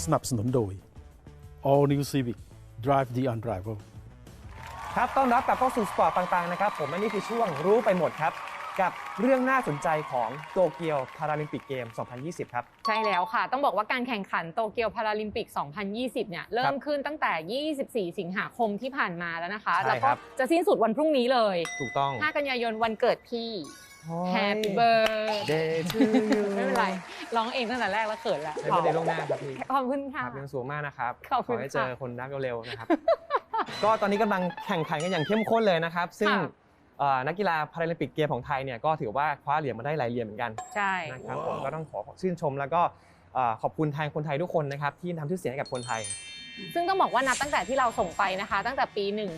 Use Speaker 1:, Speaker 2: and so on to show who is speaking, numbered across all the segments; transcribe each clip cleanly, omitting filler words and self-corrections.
Speaker 1: สนับสนุนโดย All New Civic Drive the Unrivaled
Speaker 2: ครับต้อนรับกลับเข้าสู่สปอร์ตต่างๆนะครับผมและนี่คือช่วงรู้ไปหมดครับกับเรื่องน่าสนใจของโตเกียวพาราลิมปิกเกม 2020 ครับ
Speaker 3: ใช่แล้วค่ะต้องบอกว่าการแข่งขันโตเกียวพาราลิมปิก 2020 เนี่ยเริ่มขึ้นตั้งแต่ 24 สิงหาคมที่ผ่านมาแล้วนะคะแล้วก็จะสิ้นสุดวันพรุ่งนี้เลย
Speaker 2: ถูกต้อง
Speaker 3: 5 กันยายนวันเกิดพี่ Happy Birthday
Speaker 2: to you
Speaker 3: ไม่เป็นไรร้องเองตั้งแต่แรกแล้วเขินแล้ว
Speaker 2: ไม่ได้ล่วงหน้าครับพี่
Speaker 3: ขอบคุณค่ะ
Speaker 2: ยังสูงมากนะครับ
Speaker 3: ขอบคุณ
Speaker 2: ให้เจอคนรักเร็วๆนะครับ ก็ตอนนี้กำลังแข่งขันกันอย่างเข้มข้นเลยนะครับซึ่งนักกีฬาพาราลิมปิกเกมของไทยเนี่ยก็ถือว่าคว้าเหรียญมาได้หลายเหรียญเหมือนกัน
Speaker 3: ใช่
Speaker 2: นะครับผมก็ต้องขอชื่นชมแล้วก็ขอบคุณแทนคนไทยทุกคนนะครับที่ทำชื่อเสียงให้กับคนไทย
Speaker 3: ซึ่งต้องบอกว่านับตั้งแต่ที่เราส่งไปนะคะตั้งแต่ปี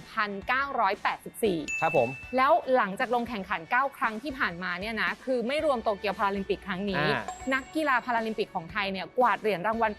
Speaker 3: 1984
Speaker 2: ครับผม
Speaker 3: แล้วหลังจากลงแข่งขัน 9 ครั้งที่ผ่านมาเนี่ยนะคือไม่รวมโตเกียวพาราลิมปิกครั้งนี้นักกีฬาพาราลิมปิกของไทยเนี่ยกวาดเหรียญรางวัลไป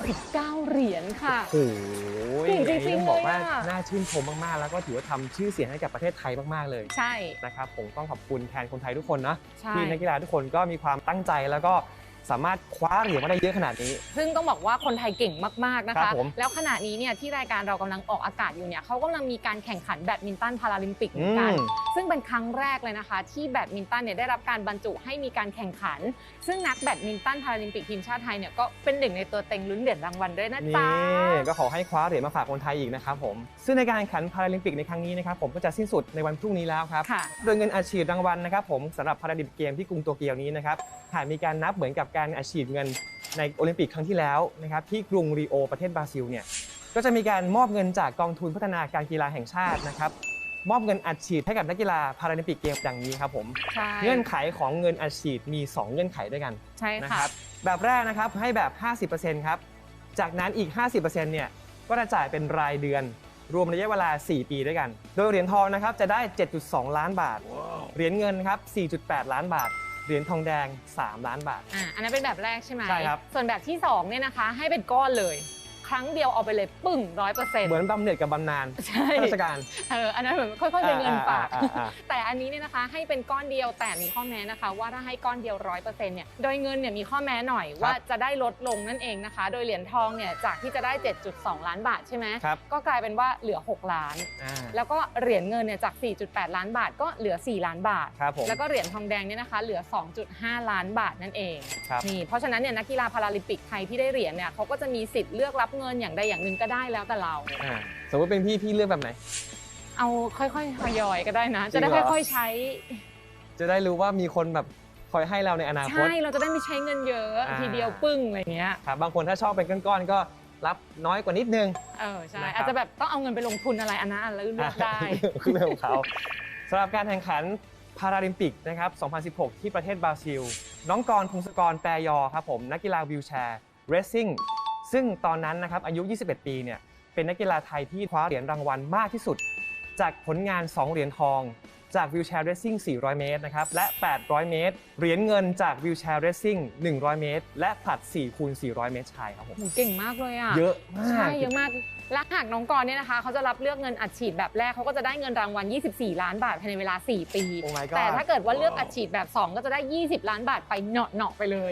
Speaker 3: 69 เหรียญค่ะ
Speaker 2: โอ้โห
Speaker 3: จริงๆ
Speaker 2: บอกว่าน่าชื่นชมมากๆแล้วก็ถือว่าทำชื่อเสียงให้กับประเทศไทยมากๆเลย
Speaker 3: ใช่
Speaker 2: นะครับผมต้องขอบคุณแทนคนไทยทุกคนนะที่นักกีฬาทุกคนก็มีความตั้งใจแล้วก็สามารถคว้าเหรียญมาได้เยอะขนาดนี้
Speaker 3: ซึ่งต้องบอกว่าคนไทยเก่งมากๆนะคะแล้วขณะนี้เนี่ยที่รายการเรากำลังออกอากาศอยู่เนี่ยเขากำลังมีการแข่งขันแบดมินตันพาราลิมปิกเหมือนกันซึ่งเป็นครั้งแรกเลยนะคะที่แบดมินตันเนี่ยได้รับการบรรจุให้มีการแข่งขันซึ่งนักแบดมินตันพาราลิมปิกทีมชาติไทยเนี่ยก็เป็นหนึ่งในตัวเต็งลุ้นเหรียญรางวัลด้วยนะจ๊ะ
Speaker 2: ก็ขอให้คว้าเหรียญมาฝากคนไทยอีกนะครับผมซึ่งในการแข่งขันพาราลิมปิกในครั้งนี้นะครับผมก็จะสิ้นสุดในวันพรุ่งนี้แล้วครับโดยเงินอัดฉีดรางวัลนะครับผมสำหรับพาราลิมปิกเกมที่กรุงโตเกียวนี้นะครับหากมีการนับเหมือนกับการอัดฉีดเงินในโอลิมปิกครั้งที่แล้วนะครับที่กรุงริโอประเทศบราซิลเนี่ยก็จะมีการมอบเงินจากกองทุนพัฒนาการกีฬาแห่งชาตินะครับมอบเงินอัดฉีดให้กับนักกีฬาพาราลิมปิกเกมดังนี้ครับผมเงื่อนไขของเงินอัดฉีดมี2เงื่อนไขด้วยกันนะครับแบบแรกนะครับให้แบบ 50% ครับจากนั้นอีก 50% เนี่ยก็จะจ่ายเป็นรายเดือนรวมระยะเวลา4ปีด้วยกันโดยเหรียญทองนะครับจะได้ 7.2 ล้านบาทเหรียญเงินครับ 4.8 ล้านบาทเหรียญทองแดง3 ล้านบาท
Speaker 3: อันนั้นเป็นแบบแรกใช่ไหม
Speaker 2: ใช่ครับ
Speaker 3: ส่วนแบบที่2เนี่ยนะคะให้เป็นก้อนเลยครั้งเดียวเอาไปเลยปึ้ง 100%
Speaker 2: เหมือนบำเหน็จกับบำนาญราชการ
Speaker 3: อันนั้นเหมือนค่อยๆเป็นเงินฝากแต่อันนี้เนี่ยนะคะให้เป็นก้อนเดียวแต่มีข้อแม้นะคะว่าถ้าให้ก้อนเดียว 100% เนี่ยโดยเงินเนี่ยมีข้อแม้หน่อยว่าจะได้ลดลงนั่นเองนะคะโดยเหรียญทองเนี่ยจากที่จะได้ 7.2 ล้านบาทใช่ไหมก็กลายเป็นว่าเหลือ6ล้านแล้วก็เหรียญเงินเนี่ยจาก 4.8 ล้านบาทก็เหลือ4ล้านบาทแล้วก็เหรียญทองแดงเนี่ยนะคะเหลือ 2.5 ล้านบาทนั่นเองนี่เพราะฉะนั้นเนี่ยนักกีฬาพาราลิมปิกไทยที่ได้เหรียญเนี่ยเขาก็จะมีสิทธิ์เลือกรับเงินอย่างใดอย่างหนึ่งก็ได้แล้วแต่เรา
Speaker 2: สมมติเป็นพี่เลือกแบบไหน
Speaker 3: เอาค่อยๆทยอยก็ได้นะจะได้ค่อยๆใช้
Speaker 2: จะได้รู้ว่ามีคนแบบคอยให้เราในอนาคต
Speaker 3: ใช่เราจะได้ไม่ใช้เงินเยอะทีเดียวปึ้งอะไรเงี้ย
Speaker 2: ครับบางคนถ้าชอบเป็นก้อนๆก็รับน้อยกว่านิดนึง
Speaker 3: ใช่อาจจะแบบต้องเอาเงินไปลงทุนอะไรอันนั้นเลือกได้
Speaker 2: คือเรื่องของเขาสำหรับการแข่งขันพาราลิมปิกนะครับ2016ที่ประเทศบราซิลน้องกรณ์ พงศกร แปรยอครับผมนักกีฬาวีลแชร์เรซซิ่งซึ่งตอนนั้นนะครับอายุ21 ปีเนี่ยเป็นนักกีฬาไทยที่คว้าเหรียญรางวัลมากที่สุดจากผลงาน2เหรียญทองจากวีลแชร์เรซซิ่ง400 เมตรนะครับและ800 เมตรเหรียญเงินจากวีลแชร์เรซซิ่ง100 เมตรและผลัด 4x400 เมตรชายครับผม
Speaker 3: เก่งมากเลยอ่ะ
Speaker 2: เยอะมาก
Speaker 3: ใช่เยอะมากและหากน้องกรณ์เนี่ยนะคะเขาจะรับเลือกเงินอัดฉีดแบบแรกเขาก็จะได้เงินรางวัล24 ล้านบาทภายในเวลา4 ปีแต่ถ้าเกิดว่าเลือกอัดฉีดแบบ2ก็จะได้20 ล้านบาทไปเหนาะๆไปเลย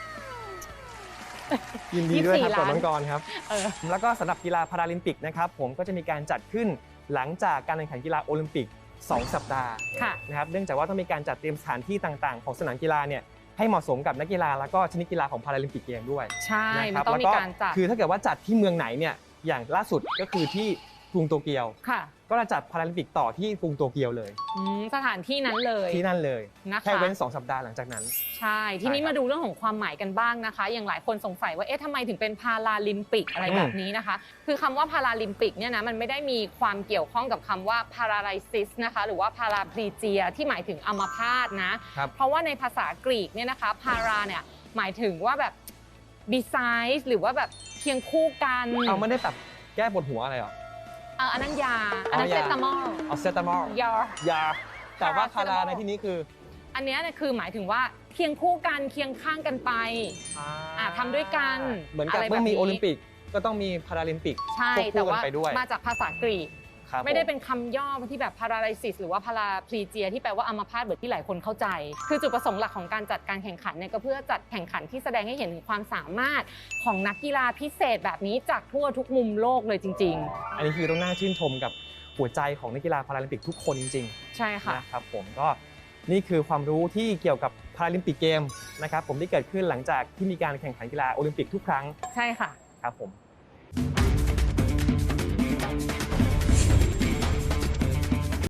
Speaker 2: ยินดีด้วยครับกับน้องกรณ์ครับแล้วก็สำหรับกีฬาพาราลิมปิกนะครับผมก็จะมีการจัดขึ้นหลังจากการแข่งขันกีฬาโอลิมปิก2 สัปดาห์นะครับเนื่องจากว่าต้องมีการจัดเตรียมสถานที่ต่างๆของสนามกีฬาเนี่ยให้เหมาะสมกับนักกีฬาแล้วก็ชนิดกีฬาของพาราลิมปิกเกมด้วย
Speaker 3: ใช่มันต้องมีการจัด
Speaker 2: คือถ้าเกิดว่าจัดที่เมืองไหนเนี่ยอย่างล่าสุดก็คือที่กรุงโตเกียวก็จะจัดพาราลิมปิกต่อที่กรุงโตเกียวเลย
Speaker 3: สถานที่นั้นเลย
Speaker 2: แค่เว้น2 สัปดาห์หลังจากนั้น
Speaker 3: ใช่ทีนี้มาดูเรื่องของความหมายกันบ้างนะคะอย่างหลายคนสงสัยว่าทำไมถึงเป็นพาราลิมปิกอะไรแบบนี้นะคะคือคำว่าพาราลิมปิกเนี่ยนะมันไม่ได้มีความเกี่ยวข้องกับคำว่าพาราไลซิสนะคะหรือว่าพาราพลีเจียที่หมายถึงอัมพาตนะเพราะว่าในภาษากรีกเนี่ยนะคะพาราเนี่ยหมายถึงว่าแบบ besides หรือว่าแบบเคียงคู่กัน
Speaker 2: ไม่ได้แบบแก้ปวดหัวอะไรหรอ
Speaker 3: อันนั้นยาอันนั้นเซตามอล
Speaker 2: เซตามอลยาแต่ว่าพาราในที่นี้คือ
Speaker 3: อันนี้เนี่ยคือหมายถึงว่าเคียงคู่กันเคียงข้างกันไปทำด้วยกัน
Speaker 2: เหมือนกับเมื่อมีโอลิมปิกก็ต้องมีพาราลิมปิก
Speaker 3: ใช่แต่ว่ามาจากภาษากรีกไม่ได้เป็นคำย่อที่แบบ paralysis หรือว่า paraplegia ที่แปลว่าอัมพาตแบบที่หลายคนเข้าใจคือจุดประสงค์หลักของการจัดการแข่งขันเนี่ยก็เพื่อจัดแข่งขันที่แสดงให้เห็นถึงความสามารถของนักกีฬาพิเศษแบบนี้จากทั่วทุกมุมโลกเลยจริงๆ
Speaker 2: อันนี้คือต้องน่าชื่นชมกับหัวใจของนักกีฬาพาราลิมปิกทุกคนจริงๆ
Speaker 3: ใช่ค่ะ
Speaker 2: นะครับผมก็นี่คือความรู้ที่เกี่ยวกับพาราลิมปิกเกมนะครับผมที่เกิดขึ้นหลังจากที่มีการแข่งขันกีฬาโอลิมปิกทุกครั้ง
Speaker 3: ใช่ค่ะ
Speaker 2: ครับผม